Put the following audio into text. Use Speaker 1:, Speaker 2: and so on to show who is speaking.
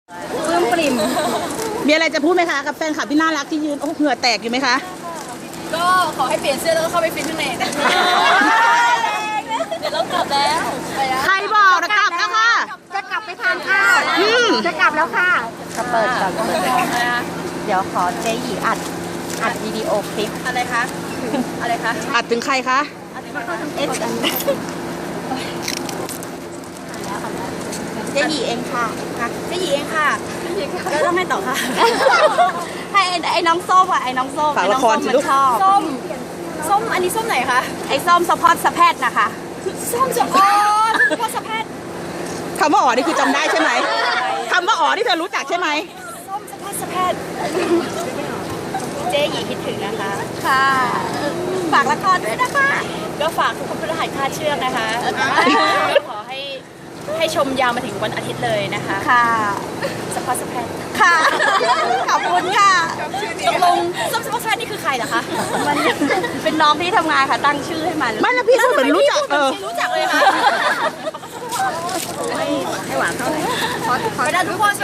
Speaker 1: ปลื้มปริ่ม
Speaker 2: มีอะไรจะพูดไหมคะกับแฟนคลับที่น่ารักที่ยืนโอ้เหงื่อแตกอยู่ไหมคะ
Speaker 1: ก็ขอให้เปลี่ยนเสื้อแล้วก็เข้าไปฟิตข้างในนะเดี๋ยวเรากลับแล้วไปแล้ว
Speaker 2: ใครบอกนะกลับแล้วค่ะ
Speaker 3: จะกลับไปทานข้าวจะกลับแล้วค่ะจะเปิดก่อนเดี๋ยวขอเจ๊หยีอัดวิดีโอคลิป
Speaker 1: อะไรคะอะไรคะ
Speaker 2: อัดถึงใครคะ
Speaker 3: เอสเจ๊หยีเองค่ะ
Speaker 1: เจ๊หยีเองค่ะแล้วต้องให้ต่อค่ะ
Speaker 3: ให้ไอ้น้องส้มอ่ะไอ้น้องส้ม
Speaker 2: ฝากละครสิลูก
Speaker 3: ชอบ
Speaker 1: ส้มอันนี้ส้มไหนคะ
Speaker 3: ไอ้ส้มสะพอดสะแพทนะคะ
Speaker 1: ส้มจะอ๋อพ่อสะแพทย์
Speaker 2: คำว่าอ๋อนี่คือจำได้ใช่ไหมคำว่าอ๋อที่เธอรู้จักใช่ไหม
Speaker 1: ส้มสะแพทย์สะแพทย์เจ๊หยีคิดถึงนะคะ
Speaker 3: ค่ะฝากละครด้วยนะคะ
Speaker 1: ก็ฝากทุกคนพฤหัสคาดเชือกนะคะก็ขอให้ชมยาวมาถึงวันอาทิตย์เลยนะคะ
Speaker 3: ค่ะ
Speaker 1: สะพอสะแพทย์
Speaker 3: ค่ะขอบคุณค่ะ
Speaker 1: ตกลงส้มสะพอสะแพทย์นี่คือใครเหรอคะ
Speaker 3: มันเป็นน้องที่ทำงานค่ะตั้งชื่อให้มัน
Speaker 2: ไม่แล้วพี่พูดเหมือนรู้จัก
Speaker 1: ไม่รู้จักเลยค่ะ
Speaker 3: ให้หวานเท่าไหร่
Speaker 1: ไปได้ทุกคน